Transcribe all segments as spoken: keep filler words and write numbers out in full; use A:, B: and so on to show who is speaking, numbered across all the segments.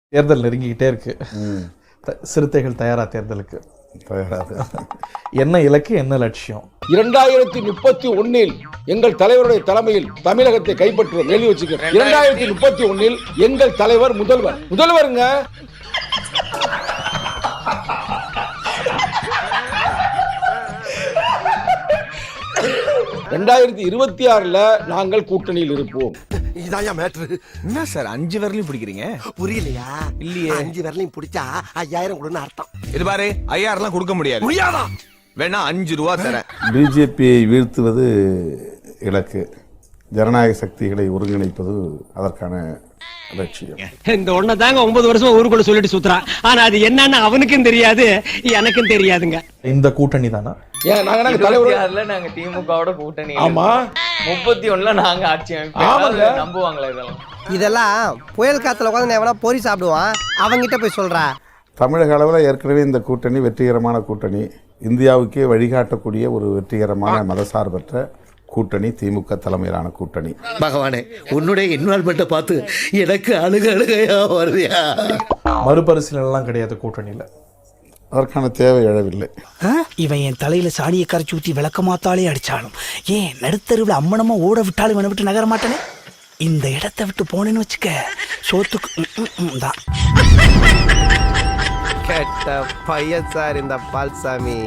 A: தேர்தல் நெருங்கிக்கிட்டே இருக்கு. சிறுத்தைகள் தயாரா தேர்தலுக்கு? என்ன இலக்கு, என்ன லட்சியம்?
B: இரண்டாயிரத்தி முப்பத்தி ஒன்னில் எங்கள் தலைவருடைய தலைமையில் தமிழகத்தை கைப்பற்றுவோம். எழுதி வச்சுக்க. இரண்டாயிரத்தி முப்பத்தி ஒன்னில் எங்கள் தலைவர் முதல்வர் முதல்வருங்க. ரெண்டாயிரத்தி இருபத்தி ஆறுல நாங்கள் கூட்டணியில் இருப்போம்.
C: என்ன சார் அஞ்சு விரலையும் பிடிக்கிறீங்க?
D: புரியலையா?
C: இல்லையே.
D: அஞ்சு விரலையும் பிடிச்சா ஐயாயிரம் கொடுன்னு அர்த்தம்.
C: இது பாரு, ஐயாயிரம் கொடுக்க முடியாது. வேணா அஞ்சு ரூபா தரேன்.
E: பிஜேபியை வீழ்த்துவது இலக்கு, ஜனநாயக சக்திகளை ஒருங்கிணைப்பது அதற்கான லட்சியம்.
F: இந்த ஒன்ன தாங்க ஒன்பது வருஷம் ஊருக்குள்ள சொல்லிட்டு சுத்துறான். ஆனா அது என்னன்னு அவனுக்கும் தெரியாது, எனக்கும் தெரியாதுங்க.
A: இந்த கூட்டணி தானா?
B: ஏன் நாங்க நாங்க தலைவர்ல
G: நாங்க திமுகவோட கூட்டணி.
B: ஆமா,
G: முப்பத்தி ஒண்ணுல நாங்க ஆட்சி அமைப்போம். நம்புவாங்களா இதெல்லாம்?
D: இதெல்லாம் புயல் காத்துல உட்காந்து எவனா பொறி சாப்பிடுவான், அவங்கிட்ட போய் சொல்றா.
E: தமிழக அளவில் ஏற்கனவே இந்த கூட்டணி வெற்றிகரமான கூட்டணி, இந்தியாவுக்கே வழிகாட்டக்கூடிய ஒரு வெற்றிகரமான மதசார்பற்ற கூட்டணி, திமுக தலைமையிலான கூட்டணி.
H: பகவானே, உன்னுடைய இன்வால்மெண்ட்டை பார்த்து எனக்கு அழுக அழுகையா வருதியா?
A: மறுபரிசீலனை எல்லாம் கிடையாது கூட்டணியில,
E: அதற்கான தேவை எழவில்லை.
I: இவன் என் தலையில சாணியை கரைச்சி ஊற்றி விளக்கமாத்தாலே அடிச்சாலும், ஏன் நடுத்தருவில் அம்மனமா ஓட விட்டாலும் இவனை விட்டு நகர மாட்டானே. இந்த இடத்தை விட்டு போனேன்னு வச்சுக்க, சோத்துக்கு தான்.
D: கேட்ட பையன் சார் இந்த பால்சாமி.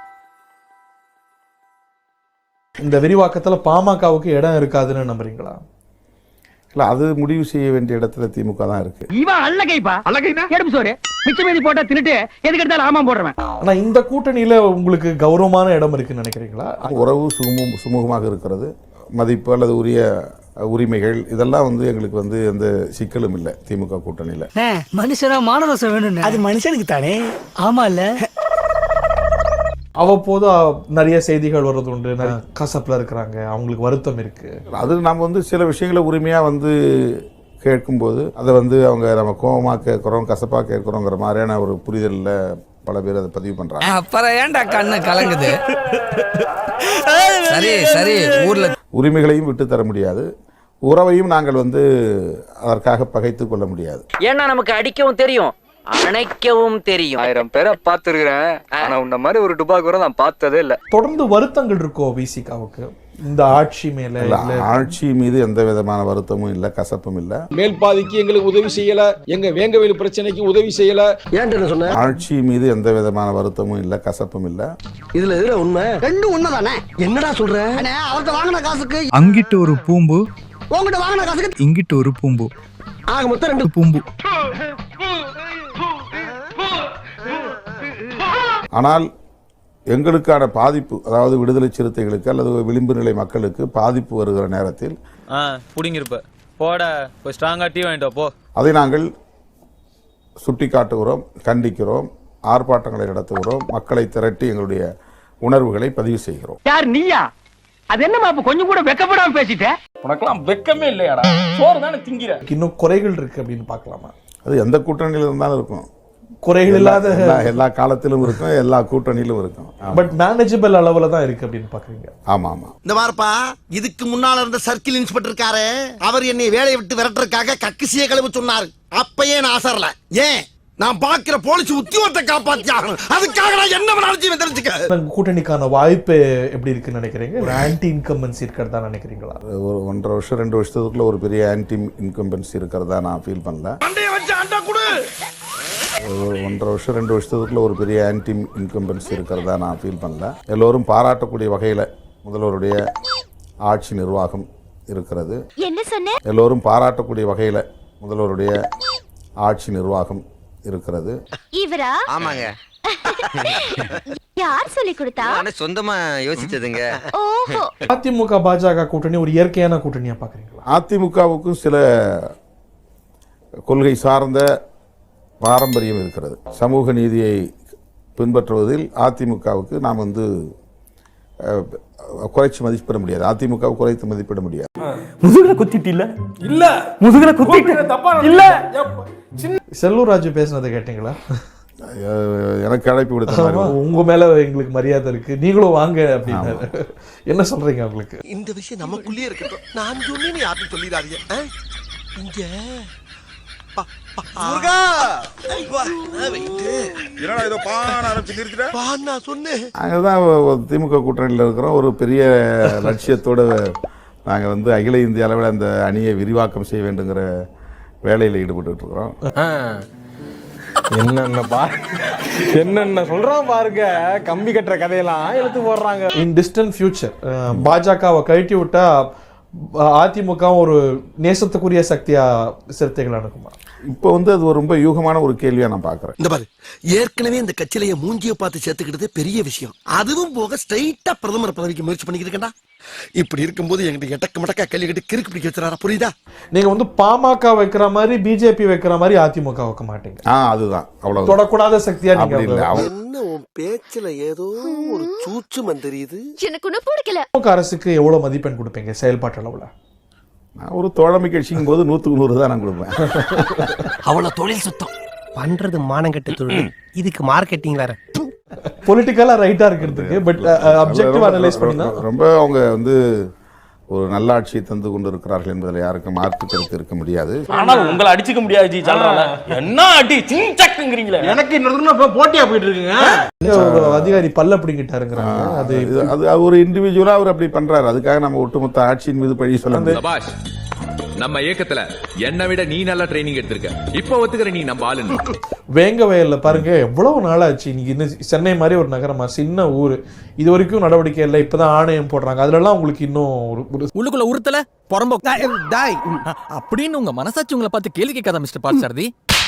A: இந்த விரிவாக்கத்துல பாமகவுக்கு இடம் இருக்காதுன்னு நம்புறீங்களா?
E: இல்ல, அது முடிவு செய்ய வேண்டிய இடத்துல திமுக தான் இருக்கு.
F: இவன் அல்லகைப்பா, அல்லகைனா எடுப்பு சோறு மிச்சமேதி போட்டா தின்னுட்டு எதுக்கு எடுத்தாலும் ஆமா போடுறவன்.
A: ஆனா இந்த கூட்டணியில உங்களுக்கு கௌரவமான இடம் இருக்குன்னு நினைக்கிறீங்களா?
E: உறவு சுமூக சுமூகமாக இருக்கிறது, மதிப்பு அல்லது உரிய உரிமைகள் இதெல்லாம் வந்து எங்களுக்கு வந்து எந்த சிக்கலும் இல்லை திமுக கூட்டணியில.
I: மனுஷனா மானரசம் வேணும், அது மனுஷனுக்கு தானே. ஆமா இல்ல,
A: அவ்வப்போது நிறைய செய்திகள் வர்றது உண்டு, நிறைய கசப்புல இருக்கிறாங்க, அவங்களுக்கு வருத்தம் இருக்கு.
E: அது நம்ம வந்து சில விஷயங்களை உரிமையா வந்து கேட்கும்போது அதை வந்து அவங்க நம்ம கோபமாக கேட்குறோம், கசப்பாக கேட்குறோங்கிற மாதிரியான ஒரு புரிதலில் பல பேர் அதை பதிவு பண்றாங்க.
J: அப்புறம் ஏன்டா கண்ணு கலங்குது? சரி சரி, ஊர்ல
E: உரிமைகளையும் விட்டு தர முடியாது, உறவையும் நாங்கள் வந்து அதற்காக பகைத்து கொள்ள முடியாது.
G: ஏன்னா நமக்கு அடிக்கவும் தெரியும், அணைக்கவும் தெரியும்.
J: ஆயிரம் பேரை பார்த்துருக்கிறேன், ஆனா உன்ன மாதிரி ஒரு டுபாக்கூரை நான் பார்த்ததே இல்லை.
A: தொடர்ந்து வருத்தங்கள் இருக்கோ விசிகாவுக்கு இந்த ஆட்சி மேல?
E: ஆட்சி மீது எந்த விதமான வருத்தமும் இல்லை, கசப்பும் இல்லை.
B: மேல் பாதிக்கு எங்களுக்கு உதவி செய்யல, எங்க வேங்கவேலு பிரச்சனைக்கு உதவி செய்யல.
D: ஏன் சொன்ன?
E: ஆட்சி மீது எந்த விதமான வருத்தமும் இல்லை, கசப்பும் இல்லை.
D: இதுல எதுல உண்மை? ரெண்டும் உண்மைதானே. என்னடா சொல்ற? அவர்கிட்ட வாங்கின காசுக்கு
K: அங்கிட்டு ஒரு பூம்பு,
D: உங்ககிட்ட வாங்கின காசுக்கு
K: இங்கிட்டு ஒரு பூம்பு,
D: ஆக மொத்தம் ரெண்டு
K: பூம்பு.
E: ஆனால் எங்களுக்கான பாதிப்பு, அதாவது விடுதலை சிறுத்தைகளுக்கு அல்லது விளிம்பு நிலை மக்களுக்கு பாதிப்பு வருகிற நேரத்தில்
J: புடிங்கிருப்ப போட போய் ஸ்ட்ராங்கா டீ வாங்கிட்டு போ, அதை
E: நாங்கள் சுட்டி காட்டுகிறோம், கண்டிக்கிறோம், ஆர்ப்பாட்டங்களை நடத்துகிறோம், மக்களை திரட்டி எங்களுடைய உணர்வுகளை பதிவு செய்கிறோம்.
F: யார் நீயா? அது என்னமா கொஞ்சம் கூட வெக்கப்படாம பேசிட்ட?
B: உனக்கெல்லாம் வெக்கமே இல்லையாடா? சோறு தானே திங்கிற.
A: இன்னும் குறைகள் இருக்கு அப்படின்னு பார்க்கலாமா?
E: அது எந்த கூட்டணியில் இருந்தாலும் இருக்கும்,
A: குறைகள் இல்லாத
E: எல்லா காலத்திலும் இருக்கும், எல்லா கூட்டணியிலும் இருக்கும்.
A: பட் மேனேஜபிள் அளவுல தான் இருக்கு அப்படின்னு பாக்குறீங்க?
E: ஆமா ஆமா.
D: இந்த வாரப்பா, இதுக்கு முன்னால இருந்த சர்க்கிள் இன்ஸ்பெக்டர் இருக்காரு, அவர் என்னை வேலையை விட்டு விரட்டுறதுக்காக கக்கிசிய கழுவு சொன்னார். அப்பயே நான் ஆசரல. ஏன்? நான் பாக்குற போலீஸ் உத்தியோகத்தை காப்பாத்தி ஆகணும், அதுக்காக நான் என்ன வேணாலும் தெரிஞ்சுக்க.
A: கூட்டணிக்கான வாய்ப்பு எப்படி இருக்குன்னு நினைக்கிறீங்க? ஒரு ஆன்டி இன்கம்பன்சி இருக்கிறதா நினைக்கிறீங்களா?
E: ஒரு ஒன்றரை வருஷம் ரெண்டு வருஷத்துக்குள்ள ஒரு பெரிய ஆன்டி இன்கம்பன்சி இருக்கிறதா நான் ஃபீல் பண்ணல. ஒரு ஒன்றரை வருஷம் ரெண்டு வருஷத்துக்குள்ள ஒரு பெரிய ஆன்டி இன்கம்பன்சி இருக்கிறதா நான் ஃபீல் பண்ணல. எல்லோரும் பாராட்டக்கூடிய வகையில் முதல்வருடைய ஆட்சி நிர்வாகம் இருக்கிறது.
L: என்ன சொன்ன?
E: எல்லோரும் பாராட்டக்கூடிய வகையில் முதல்வருடைய ஆட்சி நிர்வாகம் இருக்கிறது.
L: இவரா?
J: ஆமாங்க.
L: யார் சொல்லி கொடுத்தா?
J: நானே சொந்தமா யோசிச்சதுங்க.
L: ஓஹோ.
A: அதிமுக பாஜக கூட்டணி ஒரு இயற்கையான கூட்டணியா பாக்குறீங்களா?
E: அதிமுகவுக்கும் சில கொள்கை சார்ந்த பாரம்பரியம் இருக்கிறது. சமூக நீதியை பின்பற்றுவதில் அதிமுகவுக்கு நாம் வந்து குறைச்சி மதிப்பிட முடியாது, அதிமுக குறைத்து மதிப்பிட முடியாது.
K: முதுகுல குத்திட்டு இல்ல இல்ல முதுகுல குத்திட்டு தப்பா இல்ல.
A: செல்லூர் ராஜு பேசுனதை கேட்டீங்களா?
E: எனக்கு அழைப்பு விடுத்த
A: உங்க மேல எங்களுக்கு மரியாதை இருக்கு, நீங்களும் வாங்க அப்படின்னு என்ன சொல்றீங்க? உங்களுக்கு
D: இந்த விஷயம் நமக்குள்ளே இருக்கட்டும், நான் சொன்னேன்னு யாரும் சொல்லிடாதீங்க. இங்க
E: நாங்கள் தான் திமுக கூட்டணியில் இருக்கிறோம். ஒரு பெரிய லட்சியத்தோடு நாங்கள் வந்து அகில இந்திய அளவில் அந்த அணியை விரிவாக்கம் செய்ய வேண்டுங்கிற வேலையில் ஈடுபட்டு இருக்கிறோம்.
A: என்னென்ன பா என்னென்ன சொல்றான் பாருங்க, கம்பி கட்டுற கதையெல்லாம் எடுத்து போடுறாங்க. இன் டிஸ்டன்ட் ஃபியூச்சர் பாஜகவை கழட்டி விட்டா அதிமுக ஒரு நேசத்துக்குரிய சக்தியா சிறுத்தைகள் அணுகுமா?
E: இப்போ வந்து அது ஒரு ரொம்ப யூகமான ஒரு கேள்வியா நான் பார்க்குறேன்.
D: இந்த பாரு, ஏற்கனவே இந்த கட்சியிலேயே மூஞ்சியை பார்த்து சேர்த்துக்கிட்டது பெரிய விஷயம். அதுவும் போக ஸ்ட்ரைட்டா பிரதமர் பதவிக்கு முயற்சி பண்ணிக்கிட்டு இருக்கேன்டா. இப்படி இருக்கும்போது எங்கிட்ட எட்டக்க மடக்கா கேள்வி கேட்டு கிறுக்கு பிடிக்க வச்சுறாரா? புரியுதா?
A: நீங்க வந்து பாமக வைக்கிற மாதிரி பிஜேபி வைக்கிற மாதிரி அதிமுக வைக்க மாட்டீங்க.
E: ஆ அதுதான், அவ்வளவு
A: தொடக்கூடாத சக்தியா நீங்க
E: இல்லை.
D: என்ன உன் பேச்சுல ஏதோ ஒரு சூட்சுமம் தெரியுது.
L: எனக்கு ஒண்ணு பிடிக்கல.
A: திமுக அரசுக்கு எவ்வளவு மதிப்பெண் கொடுப்பீங்க செயல்பாட்டு அளவுல?
E: நான் ஒரு தோழமை கட்சிங்கும் போது நூற்றுக்கு நூறு தான் நான் கொடுப்பேன்.
I: அவ்வளவு தொழில் சுத்தம் பண்றது மானங்கட்ட தொழில், இதுக்கு மார்க்கெட்டிங் வேற.
A: பொலிட்டிக்கலா ரைட்டா இருக்கிறதுக்கு பட் அப்ஜெக்டிவ் அனலைஸ் பண்ணினா
E: ரொம்ப அவங்க வந்து ஒரு நல்ல ஆட்சியை தந்து கொண்டு இருக்கிறார்கள் என்பதில் யாருக்கும் மாற்று கருத்து இருக்க முடியாது.
K: ஆனால் உங்களை அடிச்சுக்க முடியாது ஜி. சொல்றாங்க என்ன அடி சிங்சக்குங்கறீங்களே.
A: எனக்கு இன்னொரு போட்டியா போயிட்டு இருக்குங்க. ஒரு அதிகாரி பல்ல பிடிங்கிட்டாருங்கறாங்க. அது
E: அது ஒரு இண்டிவிஜுவலா அவர் அப்படி பண்றாரு. அதுக்காக நம்ம ஒட்டுமொத்த ஆட்சியின் மீது பழி சொல்ல முடியாது.
C: நம்ம இயக்கத்துல என்னை விட நீ நல்லா ட்ரைனிங் எடுத்திருக்க, இப்ப ஒத்துக்கிற நீ நம்ம ஆளுன்னு.
A: வேங்க வயல்ல பாருங்க எவ்வளவு நாளாச்சு. இன்னைக்கு இன்னும் சென்னை மாதிரி ஒரு நகரமா, சின்ன ஊர், இது வரைக்கும் நடவடிக்கை இல்லை. இப்பதான் ஆணையம் போடுறாங்க. அதுல எல்லாம் உங்களுக்கு இன்னும்
J: உள்ளுக்குள்ள உறுத்தல பொறம்போ அப்படின்னு உங்க மனசாட்சி உங்களை பார்த்து கேள்வி கேட்காத மிஸ்டர் பார்த்தசாரதி.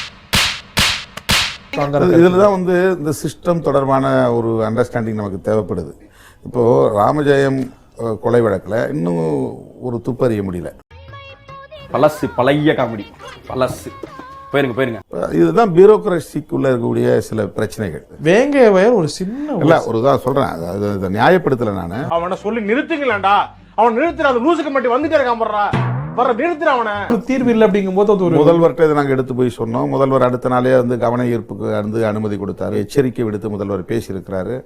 E: இதுலதான் வந்து இந்த சிஸ்டம் தொடர்பான ஒரு அண்டர்ஸ்டாண்டிங் நமக்கு தேவைப்படுது. இப்போ ராமஜெயம் கொலை வழக்கில் இன்னும் ஒரு துப்பறிய முடியல.
K: பழசு பழைய காமெடி பழசு. போயிருங்க போயிருங்க.
E: இதுதான் பியூரோக்ரசிக்குள்ள இருக்கக்கூடிய சில பிரச்சனைகள்.
A: வேங்க வயல் ஒரு சின்ன
E: இல்ல ஒரு தான் சொல்றேன், அதை நியாயப்படுத்தல நானு.
K: அவனை சொல்லி நிறுத்துங்களேன்டா. அவன் நிறுத்துற அந்த லூசுக்கு மட்டும் வந்துட்டே இருக்கான் போடுறா. வர நிறுத்துற அவனை.
A: தீர்வு இல்லை அப்படிங்கும் போது அது ஒரு
E: முதல்வர்கிட்ட இதை நாங்கள் எடுத்து போய் சொன்னோம். முதல்வர் அடுத்த நாளே வந்து கவன ஈர்ப்புக்கு வந்து அனுமதி கொடுத்தாரு. எச்சரிக்கை விடுத்து முதல்வர் பேசியிருக்கிறாரு.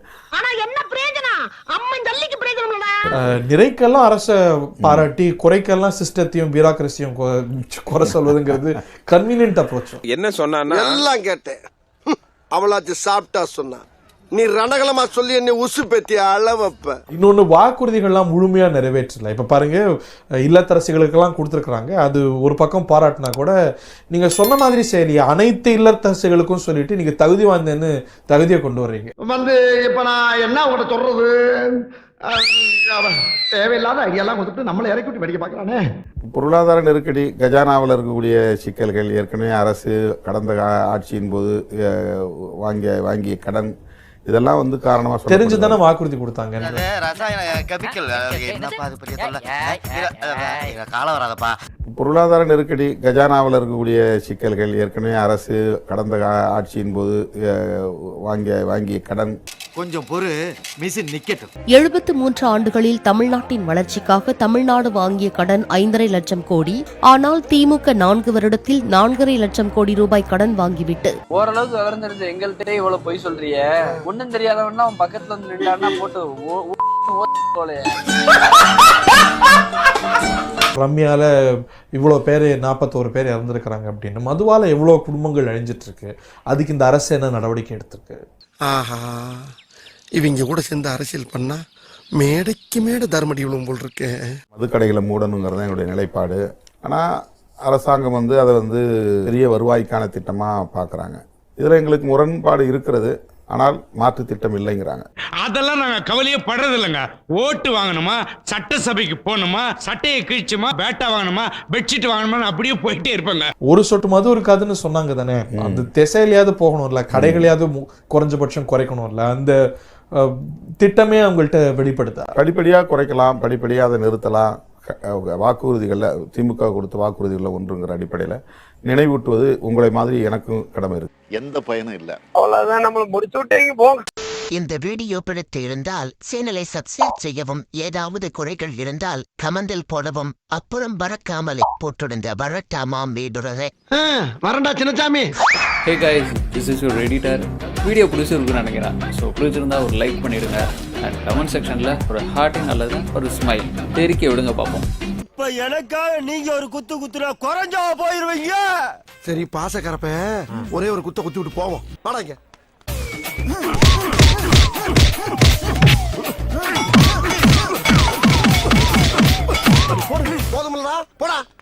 A: நிறைக்கெல்லாம் அரச பாராட்டி குறைக்கெல்லாம் சிஸ்டத்தையும் பியூரோக்ரசியும் குறை சொல்வதுங்கிறது கன்வீனியன்ட் அப்ரோச்.
D: என்ன சொன்னா எல்லாம் கேட்டேன். அவளாச்சு சாப்பிட்டா சொன்னா நீ ரணகலமா சொல்லி என்ன உசு பெத்தி அளவப்ப.
A: இன்னொன்னு வாக்குறுதிகள்லாம் முழுமையா நிறைவேற்றல. இப்ப பாருங்க, இல்லத்தரசிகளுக்கெல்லாம் கொடுத்துருக்காங்க. அது ஒரு பக்கம் பாராட்டினா கூட நீங்க சொன்ன மாதிரி சரி அனைத்து இல்லத்தரசிகளுக்கும் சொல்லிட்டு நீங்க தகுதி வாய்ந்தேன்னு தகுதியை கொண்டு வர்றீங்க.
D: வந்து இப்ப நான் என்ன உங்கள்கிட்ட சொல்றது, தேவையில்லாத ஐடியாலாம் கொடுத்துட்டு நம்மளை இறக்கி விட்டு படிக்க பார்க்கறானே.
E: பொருளாதார நெருக்கடி, கஜானாவில் இருக்கக்கூடிய சிக்கல்கள், ஏற்கனவே அரசு கடந்த ஆட்சியின் போது வாங்கிய வாங்கிய கடன், இதெல்லாம் வந்து காரணமா
A: தெரிஞ்சுதானே வாக்குறுதி கொடுத்தாங்க.
E: பொருளாதார நெருக்கடி, கஜானாவில் இருக்கக்கூடிய சிக்கல்கள், ஏற்கனவே அரசு கடந்த ஆட்சியின் போது வாங்கிய வாங்கிய கடன்.
D: கொஞ்சம் பொறு, மிஷின் நிக்கட்டும்.
L: எழுபத்து மூன்று ஆண்டுகளில் தமிழ்நாட்டின் வளர்ச்சிக்காக தமிழ்நாடு வாங்கிய கடன் ஐந்தரை லட்சம் கோடி. ஆனால் திமுக நான்கு வருடத்தில் நான்கரை லட்சம் கோடி ரூபாய் கடன் வாங்கிவிட்டு
G: ஓரளவுக்கு விவரம் தெரிஞ்ச எங்கள்கிட்ட இவ்வளவு பொய் சொல்றிய. ஒன்னும் தெரியாதவன்னா அவன் பக்கத்துல வந்து நின்றான்னா போட்டு
A: ரம்யால இவ்வளோ பேர் நாற்பத்தோரு பேர் இறந்துருக்கிறாங்க அப்படின்னு, மதுவால எவ்வளோ குடும்பங்கள் அழிஞ்சிட்டு இருக்கு. அதுக்கு இந்த அரசு என்ன நடவடிக்கை எடுத்திருக்கு?
D: ஆஹா, இவங்க கூட சேர்ந்து அரசியல் பண்ணா மேடைக்கு மேடை தர்மடி விழும் போல் இருக்கு.
E: மதுக்கடைகளை மூடணுங்கிறது என்னுடைய நிலைப்பாடு. ஆனால் அரசாங்கம் வந்து அதை வந்து பெரிய வருவாய்க்கான திட்டமாக பார்க்குறாங்க. இதில் எங்களுக்கு முரண்பாடு இருக்கிறது. ஆனால் மாற்று திட்டம் இல்லைங்கிறாங்க.
K: அதெல்லாம் நாங்க கவலையே படுறது இல்லைங்க. ஓட்டு வாங்கணுமா, சட்டசபைக்கு போகணுமா, சட்டையை கிழிச்சுமா, பேட்டா வாங்கணுமா, பெட்ஷீட் வாங்கணுமா, அப்படியே போயிட்டே இருப்பாங்க.
A: ஒரு சொட்டு மது இருக்காதுன்னு சொன்னாங்க தானே. அந்த திசையிலையாவது போகணும்ல, கடைகளையாவது குறைஞ்சபட்சம் குறைக்கணும்ல. அந்த திட்டமே அவங்கள்ட்ட வெளிப்படுத்த
E: படிப்படியாக குறைக்கலாம், படிப்படியாக அதை நிறுத்தலாம். வாக்குறுதிகளில் திமுக கொடுத்த வாக்குறுதிகளில் ஒன்றுங்கிற அடிப்படையில் நினைவூட்டுவது உங்களை மாதிரி எனக்கும் கடமை இருக்கு.
D: எந்த பயனும் இல்லை.
F: அவ்வளவுதான், நம்மள முடிச்சு விட்டீங்க போங்க.
D: இந்த வீடியோ பிடித்து இருந்தால் சேனலை சப்ஸ்கிரைப் செய்யவும். ஏதாவது குறைகள் இருந்தால் கமெண்டில் போடவும். அப்புறம் பறக்காமலே போட்டிருந்த வரட்டாமாம் வீடுறதே வரண்டா Chinnasamy.
J: Hey guys, this is your editor. Video பிடிச்சிருக்குன்னு நினைக்கிறேன். ஸோ பிடிச்சிருந்தா ஒரு லைக் பண்ணிடுங்க. அண்ட் கமெண்ட் செக்ஷனில் ஒரு ஹார்ட்டிங் அல்லது ஒரு ஸ்மைல் தெரிக்க விடுங்க பார்ப்போம்.
D: இப்ப எனக்காக நீங்க ஒரு குத்து குத்துனா குறைஞ்சா போயிருவீங்க. சரி பாசக்கரப்ப ஒரே ஒரு குத்த குத்தி விட்டு போவோம் வாடாங்க. போதுமில்லடா போடா.